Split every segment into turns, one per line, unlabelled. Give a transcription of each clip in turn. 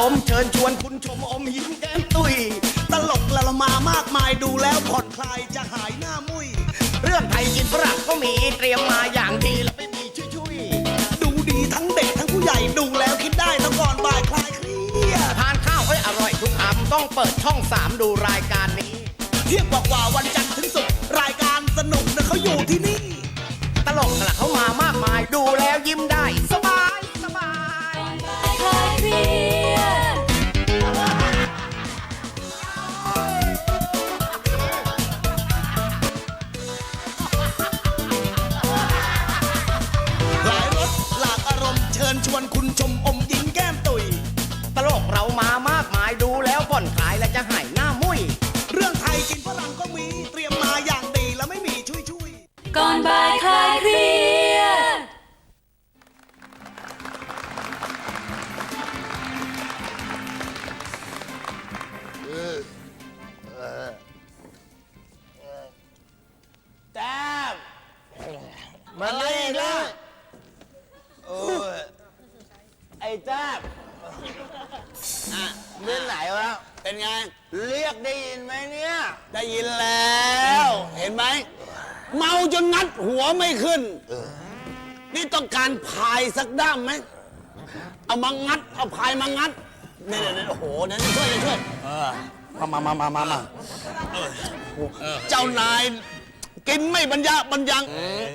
มเชิญชวนคุณชมอมยิ้มแก้มตุยตลกละมามากมายดูแล้วผ่อนคลายจะหายหน้ามุยเรื่องไทยกินฝรั่งก็มีเตรียมมาอย่างดีแล้วไม่มีชุยดูดีทั้งเด็กทั้งผู้ใหญ่ดูแล้วคิดได้ทั้งก่อนบ่ายคลายเครียดทานข้าวให้อร่อยทุกคำต้องเปิดช่อง3ดูรายการนี้เที่ยงกว่าวันจันทร์ถึงศุกร์รายการสนุกนะเขาอยู่ที่นี่ตลกละเขามามากมายดูแล้วยิ้มได้สบาย
คลายเครียด
หลายรสหลากอารมณ์เชิญชวนคุณชมอมยิ้มแก้มตุยตลกเรามามากมายดูแล้วผ่อนคลายและจะหายหน้ามุยเรื่องไทยกินฝรั่งก็มีเตรียมมาอย่างดีแล้วไม่มีชุย
ก่อนบ่ายคลายเครียด
แต้มมาเลยนะโอ้ยไอ้แต้มเรื่องไหนวะเป็นไงเรียกได้ยินไหมเนี่ยได้ยินแล้วเห็นไหมเมาจนงัดหัวไม่ขึ้นนี่ต้องการพายสักด้ามไหมเอามางัดเอาพายมางัดเนี่ยโอ้โหนั่นช่วยมาเจ้านายกินไม่บรรยัง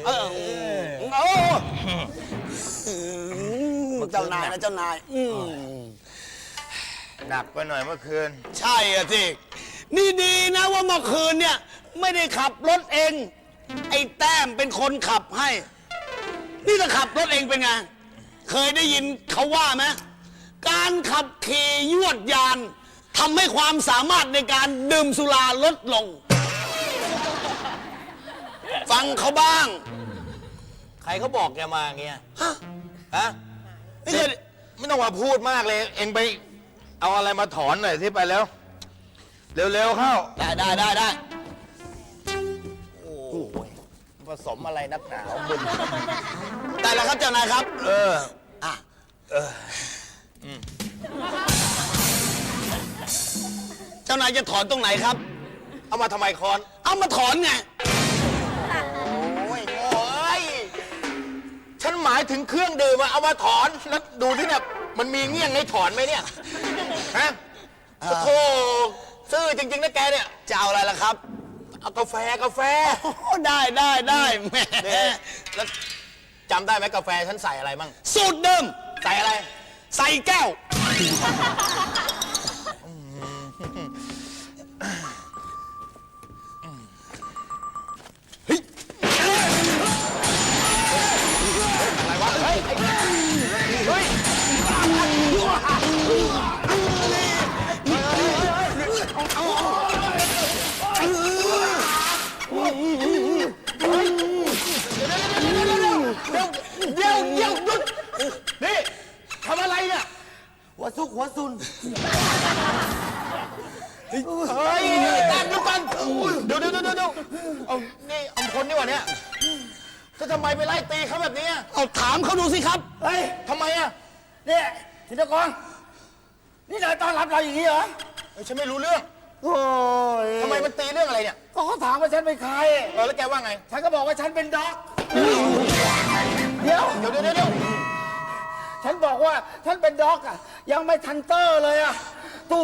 เจ้านายนะเจ้านาย
หนักไปหน่อยเมื่อคืน
ใช่อะที่นี่ดีนะว่าเมื่อคืนเนี่ยไม่ได้ขับรถเองไอ้แต้มเป็นคนขับให้นี่ถ้าขับรถเองเป็นไงเคยได้ยินเขาว่าไหมการขับขี่ยวดยานทำให้ความสามารถในการดื่มสุราลดลงฟังเขาบ้าง
ใครเขาบอกแกมาอย่างเงี้ยฮะไม่ต้องมาพูดมากเลยเองไปเอาอะไรมาถอนหน่อยที่ไปแล้วเร็วๆเข้า
ได้
โอ้ยผสมอะไรนักหนาบุญ
ได้แล้วครับเจ้านายครับเจ้านายจะถอนตรงไหนครับ
เอามาทำไมคอน
เอามาถอนไง
โอ้ยฉันหมายถึงเครื่องดื่มเอามาถอนแล้วดูที่เนี่ยมันมีเงี้ยงให้ถอนไหมเนี่ยฮะโอ้โหซื่อจริงๆนะแกเนี่ย
จะเอาอะไรล่ะครับ
เอากาแฟ
ได้แหม
แล้วจำได้ไหมกาแฟฉันใส่อะไรมั่ง
สูตรเดิม
ใส่อะไร
ใส่แก้ว
อะไรวะเฮ้ยเดี๋ยวหยุดนี่ทำอะไรเนี่ย
หัวซุน
เฮ้ยตามดูกันเดี๋ยวเอานี่อำพลนี่วะเนี่ยจะทำไมไปไล่ตีเขาแบบนี้
เอาถามเขาดูสิครับ
เฮ้ยทำไม
เนี่ยธินกรนี่นายต้อนรับเราอย่างนี้เหรอ
ฉันไม่รู้เรื่อง
โอ้ย
ทำไมมันตีเรื่องอะไรเนี่ย
ก็เขาถามว่าฉันเป็นใคร
แล้วแกว่าไง
ฉันก็บอกว่าฉันเป็นด็อกเดี๋ยวฉันบอกว่าฉันเป็นด็อกยังไม่ทันเตอร์เลยตูบ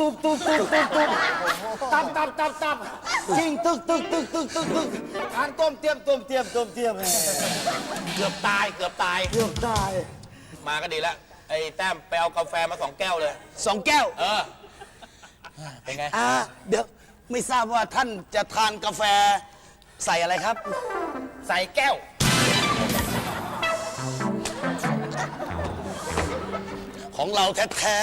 ตับจริงตึกทานต้มเตรียมเ
กือบตายมาก็ดีแล้วไอ้แต้มไปเอากาแฟมา2 แก้วเลย
2 แก้ว
เป็นไง
เดี๋ยวไม่ทราบว่าท่านจะทานกาแฟใส่อะไรครับ
ใส่แก้ว
ของเราแท้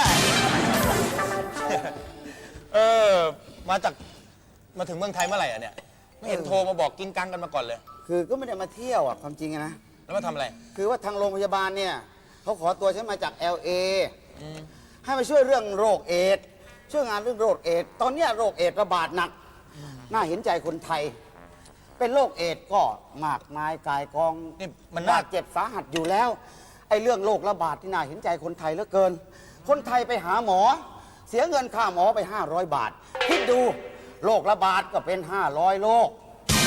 มาถึงเมืองไทยเมื่อไหร่เนี่ยไม่เห็นโทรมาบอกกิ้งกังกันมาก่อนเลย
คือก็ไม่ได้มาเที่ยวความจริงนะ
แล้วมาทำอะไร
คือว่าทางโรงพยาบาลเนี่ยเขาขอตัวฉันมาจาก LA ให้มาช่วยเรื่องโรคเอดส์ช่วยงานเรื่องโรคเอดส์ตอนนี้โรคเอดส์ระบาดหนักน่าเห็นใจคนไทยเป็นโรคเอดส์ก็มากมายกายกอง
นี่มัน
บาดเจ็บสาหัสอยู่แล้วไอ้เรื่องโรคระบาดที่น่าเห็นใจคนไทยเหลือเกินคนไทยไปหาหมอ เสียเงินค่าหมอไป 500 บาท คิดดูโรคระบาดก็เป็น 500โรค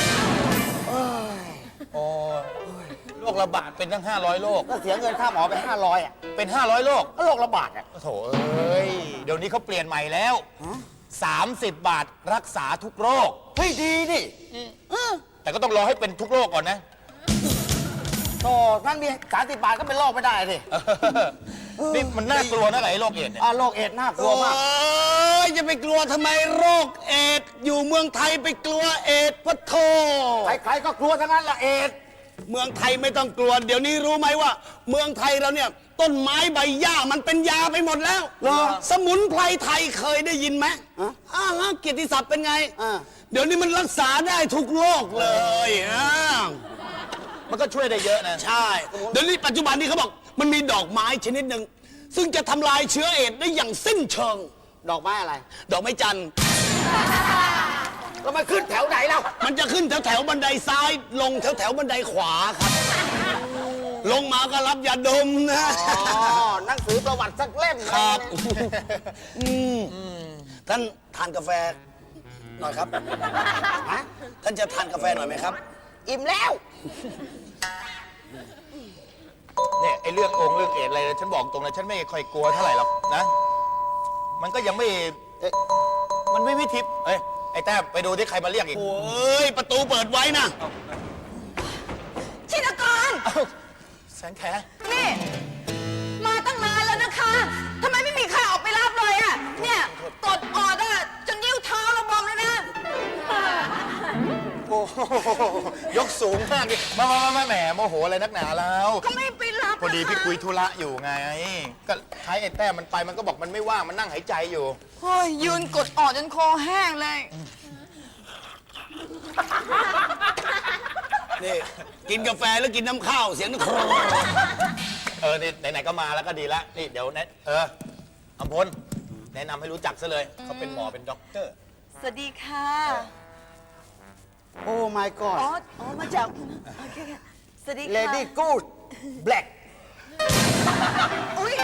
โอ้โรคระบาดเป็นตั้ง500โรค
ก็เสียเงินค่าหมอไป 500อ่ะ
เป็น500โรค
ก็โรคระบาดอ่ะ
โถเอ้ย เดี๋ยวนี้เขาเปลี่ยนใหม่แล้ว 30 บาทรักษาทุกโรค
เฮ้ยดีดิ
แต่ก็ต้องรอให้เป็นทุกโรคก่อนนะ
โตนั่นมี30 บาทก็เป็นโรคไม่ได้สิ
นี่มันน่ากลัวนะไอ้โรคเอดส์เนี่ย
โรคเอดส์น่ากลัว
โอ้
มาก
ยจะไปกลัวทำไมโรคเอดส์อยู่เมืองไทยไปกลัวเอดส์พะโท
ใครๆก็กลัวทั้งนั้นละเอดส์
เมืองไทยไม่ต้องกลัว เดี๋ยวนี้รู้ไหมว่า เมืองไทยเราเนี่ย ต้นไม้ใบหญ้ามันเป็นยาไปหมดแล้ว
เหรอ
สมุนไพรไทยเคยได้ยินไหม
ฮะ
เกียรติศัพท์เป็นไง
อ่า
เดี๋ยวนี้มันรักษาได้ทุกโรคเลย
มันก็ช่วยได้เยอะนะ
ใช่ เดี๋ยวนี้ปัจจุบันนี้เขาบอกมันมีดอกไม้ชนิดหนึ่งซึ่งจะทำลายเชื้อเอดส์ได้อย่างสิ้นเชิง
ดอกไม้อะไร
ดอกไม้จันทร์
แล้วมันขึ้นแถวไหนแล้ว
มันจะขึ้นแถวบันไดซ้าย ลงแถวบันไดขวาครับ ลงมาก็รับยาดมนะ
อ๋อ หนังสือประวัติสักเล่ม
ครับท่านทานกาแฟหน่อยครับฮะท่านจะทานกาแฟหน่อยไหมครับ
อิ่มแล้ว
เนี่ยไอ้เรื่องเรื่องเอดส์อะไรฉันบอกตรงนะฉันไม่ค่อยกลัวเท่าไหร่หรอกนะ มันก็ยังไม่ มันไม่ทิพย์เอ้ย ไอ้แต้มไปดูที่ใครมาเรียกอีก
โอ้ย ประตูเปิดไว้นะ
ชินกร
เอ้าแสงแข
นี่ มาตั้งนานแล้วนะคะทำไมไม่มีใครออกไปรับเลยอ่ะ เนี่ยกดออดอ่ะจนนิ้วเท้าเราบอมเลยนะ
โอ้โหยกสูงมากดิมาแหมโมโหอะไรนักหนาแล้ว
ก็ไม่ไปรับ
พอดีพี่
นะคะ
คุยธุระอยู่ไง ก็ใช้ไอ้แต้มมันไปมันก็บอกมันไม่ว่างมันนั่งหายใจอยู่
โอ้ยยืนกดออดจนคอแห้งเลย
นี่ กินกาแฟแล้วกินน้ำข้าว เสียงโคร
นี่ไหนๆก็มาแล้วก็ดีแล้วนี่เดี๋ยวอำพลแนะนำให้รู้จักซะเลยเขาเป็นหมอเป็นด็อกเตอร์
สวัสดีค่ะ
โอ้ my
อ๋อ
god
อ๋อ มาจากโอเคค่ะสวัสดีค่ะ
lady good black
อุ้ย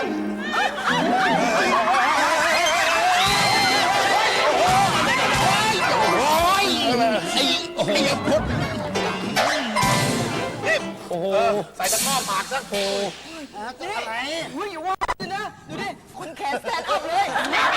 โอ้โหใส่ตะกร้อปากซะโอ้
อะไร
อุ้ยอย่าว่าเลยนะ ดูดิ คนแขนแซนอัพเลย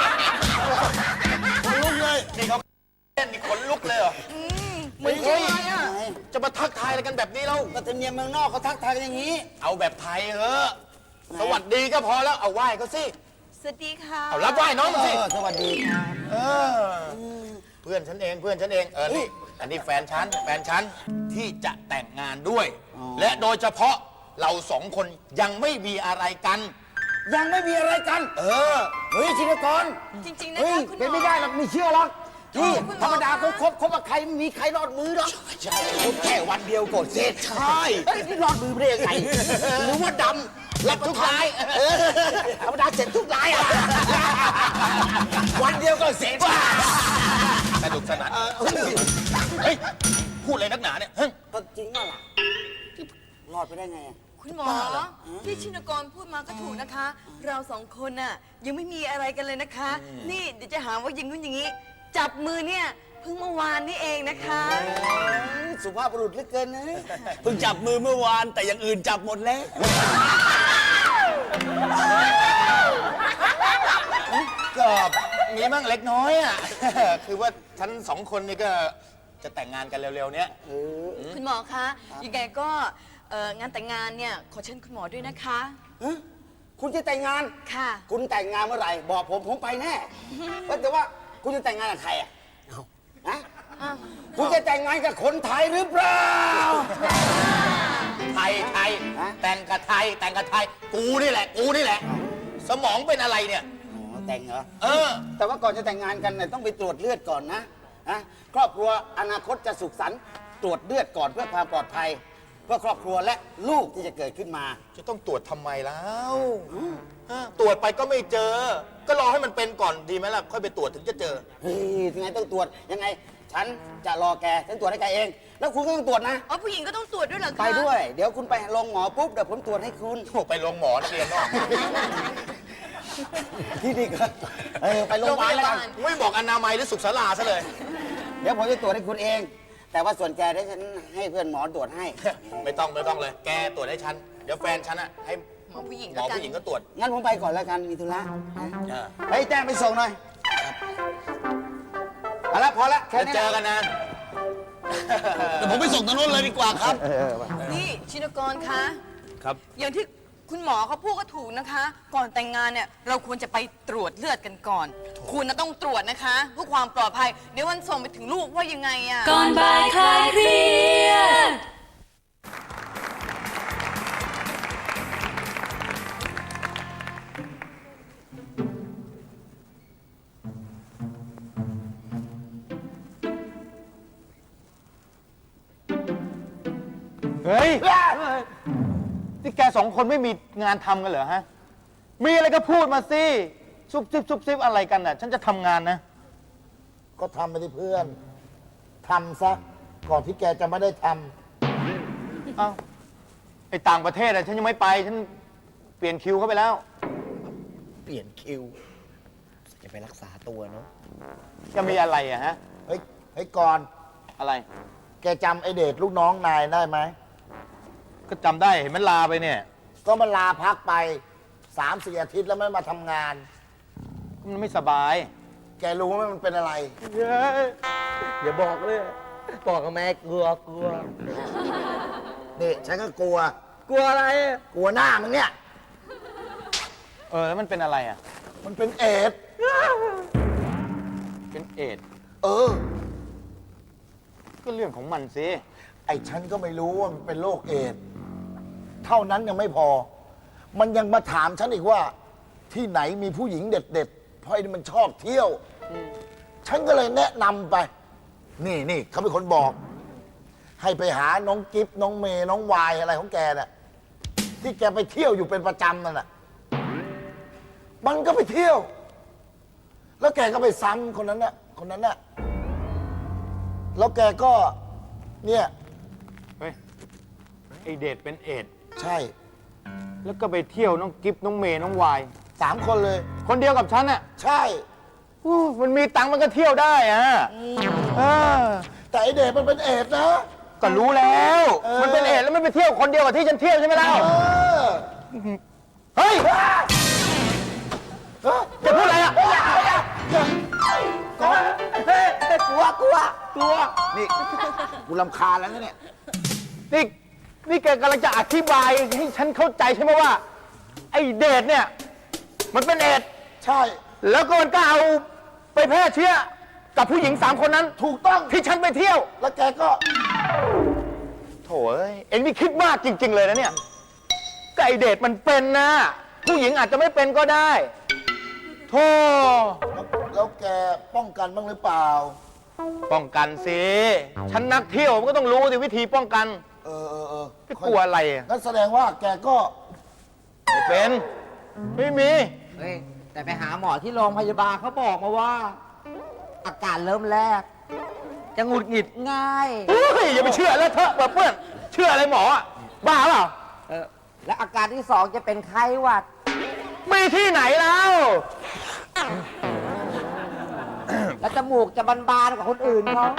ลุกเลย
นี่เขาเล่นนี่ขนลุกเลยเหรอ
เหมือนใช่ไหมอ่ะ
จะมาทักทายอะไรกันแบบนี้แล้ว
ก็ธรรมเนียมเมืองนอกเขาทักทายกันอย่างนี้
เอาแบบไทยเถอะสวัสดีก็พอแล้วเอาไหว้เขาสิ
สวัสดีค่ะ
เอารับไหว้น้องมันสิ
สวัสดีครับ
เออเพื่อนฉันเองนี่อันนี้แฟนฉันที่จะแต่งงานด้วย และโดยเฉพาะเราสองคนยังไม่มีอะไรกัน
ยังไม่มีอะไรกัน เฮ้ยชินกร
จริง ๆ นะ
เฮ้ย
คะคุณหมอ
เป็นไม่ได้หรอกไม่เชื่อหรอกนี่
คุณหมอ
ธรรมดาเขาคบกับใครไม่มีใครรอดมือหรอก
ใช่แค่วันเดียวกดเสร็จใช่
เฮ้ยนี่รอดมือไม่ได้ยังไงหรือว่าดำรับทุกรายธรรมดาเสร็จทุกรายอ่ะวันเดียวก็เสร็จ
สนุกสนานเฮ้ยพูดอะไรนักหนาเนี่ยเฮ้ย
ก็จริงว่าล่ะรอดไปได้ไงอะ
คุณหมอที่ชินกรพูดมาก็ถูกนะคะ เราสองคนน่ะยังไม่มีอะไรกันเลยนะคะ นี่เดี๋ยวจะหาว่าอย่างนู้นอย่างนี้ จับมือเนี่ยเพิ่งเมื่อวานนี่เองนะคะ
สุภาพบุรุษเหลือเกินนะ
เพิ่งจับมือเมื่อวานแต่อย่างอื่นจับหมดแล้ว
ก็มีบ้างเล็กน้อยอ่ะ คือว่าฉันสองคนนี่ก็จะแต่งงานกันเร็วๆเนี้ย
คุณหมอคะยังไงก็งานแต่งงานเนี่ยขอเชิญคุณหมอด้วยนะคะ
ฮะคุณจะแต่งงาน
ค่ะ
คุณแต่งงานเมื่อไหร่บอกผมไปแน่ว่าแต่ว่าคุณจะแต่งงานกับใครอ่ะฮะคุณจะแต่งงานกับคนไทยหรือเปล่า
ไทย
ฮะ
แต่งกับไทยกูนี่แหละ สมองเป็นอะไรเนี่ย
อ๋อแต่งเหรอ
เออ
แต่ว่าก่อนจะแต่งงานกันเนี่ยต้องไปตรวจเลือดก่อนนะครอบครัวอนาคตจะสุขสันต์ตรวจเลือดก่อนเพื่อความปลอดภัย เพื่อครอบครัวและลูกที่จะเกิดขึ้นมา
จะต้องตรวจทำไมแล้วตรวจไปก็ไม่เจอ ก็รอให้มันเป็นก่อนดีไหมล่ะ ค่อยไปตรวจถึงจะเจอ
เฮ้ยยังไงต้องตรวจยังไง ฉันจะรอแกฉันตรวจให้แกเอง แล้วคุณก็ต้องตรวจนะ
อ๋อผู้หญิงก็ต้องตรวจด้วยเหรอคะ
ไปด้วย เดี๋ยวคุณไปโรงหมอปุ๊บเดี๋ยวผมตรวจให้คุณ
ไปลงหมอนักเรียนเนาะ
ที่นี่ก็ไปโรงพยาบาลแล้วกัน
ไม่บอกอนามัยหรือสุขศาลาซะเลย
เดี๋ยวผมจะตรวจให้คุณเอง แต่ว่าส่วนแกได้ฉันให้เพื่อนหมอตรวจให้
ไม่ต้องเลย แกตรวจให้ฉัน เดี๋ยวแฟนฉันอะให้
หมอผู้หญิง
หม
แล้ว
อ
กัน
ผู้หญิงก็ตรวจ
งั้นผมไปก่อนแล้วกันมีธุระ
เออ
เฮ้ยแจ้งไปส่งหน่อยเอาละพอละแค่
แล้ว
นี้
เจอกันนะ
เดี๋ยวผมไปส่งตรงนู้นเลยดีกว่าครับ
นี่ชินกรคะ
ครับ
อย่างที่คุณหมอเขาพูดก็ถูกนะคะ ก่อนแต่งงานเนี่ยเราควรจะไปตรวจเลือดกันก่อน คุณนะต้องตรวจนะคะเพื่อความปลอดภัยเดี๋ยววันส่งไปถึงลูกว่ายังไงอะ
ก่อนบ่ายคลายเครียด
เฮ้ย นี่แกสองคนไม่มีงานทำกันเหรอฮะ มีอะไรก็พูดมาสิ ซุบซิบอะไรกันน่ะ ฉันจะทำงานนะ
ก็ทำไปที่เพื่อน ทำซะ ก่อนที่แกจะไม่ได้ท
เอ้า ไอต่างประเทศอะฉันยังไม่ไป ฉันเปลี่ยนคิวเข้าไปแล้ว
ำ เปลี่ยนคิว จะไปรักษาตัวเนาะ
จะมีอะไรอะฮะ
เฮ้ยก่อน
อะไร
แกจำไอเดชลูกน้องนายได้ไหม
ก็จำได้เห็นมันลาไปเนี่ย
ก็มันลาพักไป 3-4 อาทิตย์แล้วไม่มาทำงาน
มันไม่สบาย
แกรู้ไหมมันเป็นอะไร
อย่าบอกเลยบอกกับแม่กลัว
นี่ฉันก็กลัว
กลัวอะไร
กลัวหน้ามึงเนี่ย
แล้วมันเป็นอะไรอะ
มันเป็นเอดส์
เป็นเอดส์
เออ
ก็เรื่องของมันสิ
ไอ้ฉันก็ไม่รู้ว่ามันเป็นโรคเอดส์เท่านั้นยังไม่พอ มันยังมาถามฉันอีกว่า ที่ไหนมีผู้หญิงเด็ดๆ เพราะไอ้นี่มันชอบเที่ยว ฉันก็เลยแนะนำไป นี่เขาเป็นคนบอก ให้ไปหาน้องกิฟน้องเมย์น้องวายอะไรของแกน่ะ ที่แกไปเที่ยวอยู่เป็นประจำนั่นน่ะ มันก็ไปเที่ยว แล้วแกก็ไปซ้ำคนนั้นน่ะ แล้วแกก็ เนี่ย
เฮ้ย ไอเดดเป็นเอดส์
ใช่
แล้วก็ไปเที่ยวน้องกิฟน้องเมย์น้องวาย
3 คนเลย
คนเดียวกับฉันอะ
ใช่
มันมีตังค์มันก็เที่ยวได้อะเออ
แต่ไอเดชมันเป็นเอดส์นะ
ก็รู้แล้ว
เออ
มันเป็นเอดส์แล้วมันไปเที่ยวคนเดียวกับที่ฉันเที่ยวใช่ไหมล่ะ
เออ
เฮ้ย จะพูดอะไรอ่ะ
กลัว นี่ กูรำคาญแล้วนะเนี่ย
นี่แกกำลังจะอธิบายให้ฉันเข้าใจใช่ไหมว่า ไอ้เดชเนี่ย มันเป็นเอดส์
ใช่
แล้วก็มันก็เอาไปแพร่เชื้อกับผู้หญิง3 คนนั้น
ถูกต้อง
ที่ฉันไปเที่ยว
แล้วแกก็
โถ่เอ้ยเอ็งนี่คิดมากจริง ๆ เลยนะเนี่ยก็ไอ้เดชมันเป็นนะ ผู้หญิงอาจจะไม่เป็นก็ได้โธ่
แล้วแกป้องกันบ้างหรือเปล่า
ป้องกันสิฉันนักเที่ยวมันก็ต้องรู้สิวิธีป้องกัน
เออ
ไม่กลัวอะไรอ่ะ
งั้นแสดงว่าแกก็
ไม่เป็น ไม่มี
เฮ้ย แต่ไปหาหมอที่โรงพยาบาลเขาบอกมาว่า อาการเริ่มแรก จะหงุดหงิดง่าย
เฮ้ยอย่าไปเชื่อแล้วเถอะแบบเพื่อนเชื่ออะไรหมออ่ะบ้าเปล่า
และอาการที่ 2 จะเป็นไข้หวัด
มีที่ไหนแล้ว
และจมูกจะบานๆกว่าคนอื่นเขา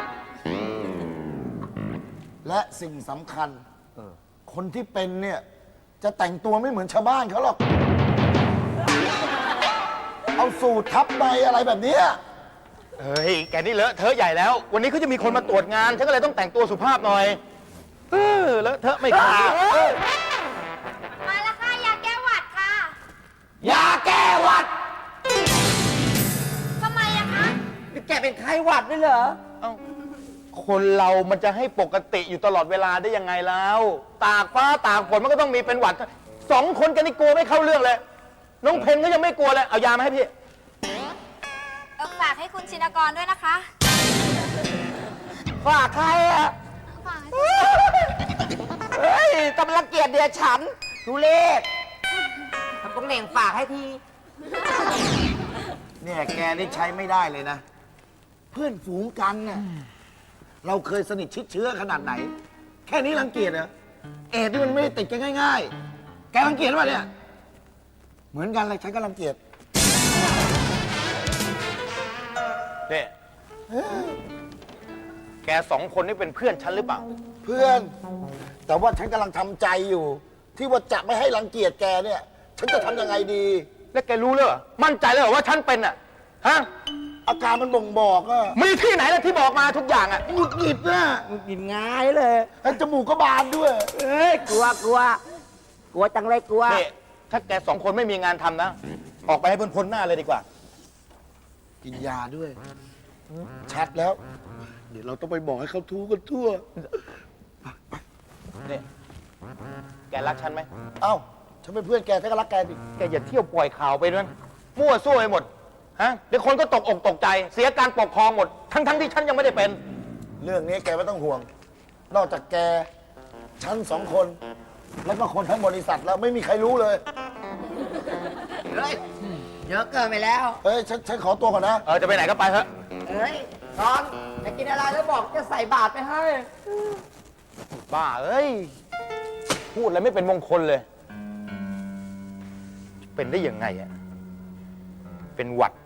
และสิ่งสำคัญ คนที่เป็นเนี่ย จะแต่งตัวไม่เหมือนชาวบ้านเขาหรอก เอาสูททับในอะไรแบบเนี้ย
เฮ้ยแกนี่เลอะเทอะใหญ่แล้ว วันนี้เขาจะมีคนมาตรวจงานฉันก็เลยต้องแต่งตัวสุภาพหน่อยเลอะเทอะไม่ควร
มาแล้วค่ะ ยาแก้หวัดค่ะ
ยาแก้หวัด
ทำไมอะคะ
นี่แกเป็นไข้หวัดด้วยเหรอ
เอ้าคนเรามันจะให้ปกติอยู่ตลอดเวลาได้ยังไงแล้ว ตากฟ้าตากฝนมันก็ต้องมีเป็นหวัด 2 คนกันนี่กลัวไม่เข้าเรื่องเลย น้องเพนก็ยังไม่กลัวเลย เอายามาให้พี่
ฝากให้คุณชินกรด้วยนะคะ
ฝากใครอะ
ฝากให้
เฮ้ยกำลังเกลียดเดียฉันทุเลศทำต้องเหน่งฝากให้ที
เนี่ยแกนี่ใช้ไม่ได้เลยนะ เพื่อนฝูงกันน่ะเราเคยสนิทชิดเชื้อขนาดไหน แค่นี้รังเกียจเหรอเอดส์นี่มันไม่ได้ติดกันง่ายๆ แกรังเกียจป่ะเนี่ยเหมือนกันเลยฉันก็รังเกียจ
เนี่ยแกสองคนนี่เป็นเพื่อนฉันหรือเปล่า
เพื่อน แต่ว่าฉันกำลังทำใจอยู่ ที่ว่าจะไม่ให้รังเกียจแกเนี่ย ฉันจะทำยังไงดี
แล้วแกรู้เลยเหรอมั่นใจเลยเหรอว่าฉันเป็นอ่ะ ฮะ
อาการมันบ่งบอกอะ
มีที่ไหนล่ะที่บอกมาทุกอย่างอ่ะ
หงุดหงิดนะ
กินง่ายเลย
ไอ้จมูกก็บานด้วย
เอ้ย กลัวจังเลยกลัว
นี่ถ้าแกสองคนไม่มีงานทำนะ ออกไปให้พ้นๆหน้าเลยดีกว่า
กินยาด้วย ชัดแล้ว เดี๋ยวเราต้องไปบอกให้เขาทูกันทั่ว
นี่ แกรักฉันไหม
เอ้า ฉันเป็นเพื่อนแกฉันก็รักแกสิ
แกอย่าเที่ยวปล่อยข่าวไปด้วยนะมั่วซั่วไปหมด ฮะ เดี๋ยวคนก็ตกอกตกใจ เสียการปกครองหมด ทั้งที่ฉันยังไม่ได้เป็น
เรื่องนี้แกไม่ต้องห่วง นอกจากแก ฉันสองคน แล้วก็คนทั้งบริษัทแล้วไม่มีใครรู้เลย
เฮ้ย เยอะเกินไปแล้ว
เฮ้ย ฉันขอตัวก่อนนะ
จะไปไหนก็ไปเถอะ
เฮ้ยตอนจะกินอะไรแล้วบอกจะใส่บาตรไปให้
บ้าเอ้ย พูดอะไรไม่เป็นมงคลเลย เป็นได้ยังไงอะเป็นหวัด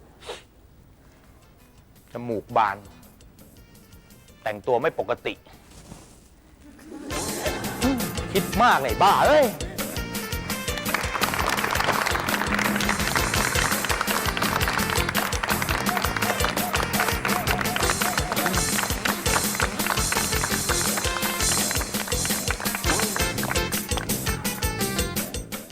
จมูกบาน แต่งตัวไม่ปกติ คิดมากเลยบ้าเอ้ย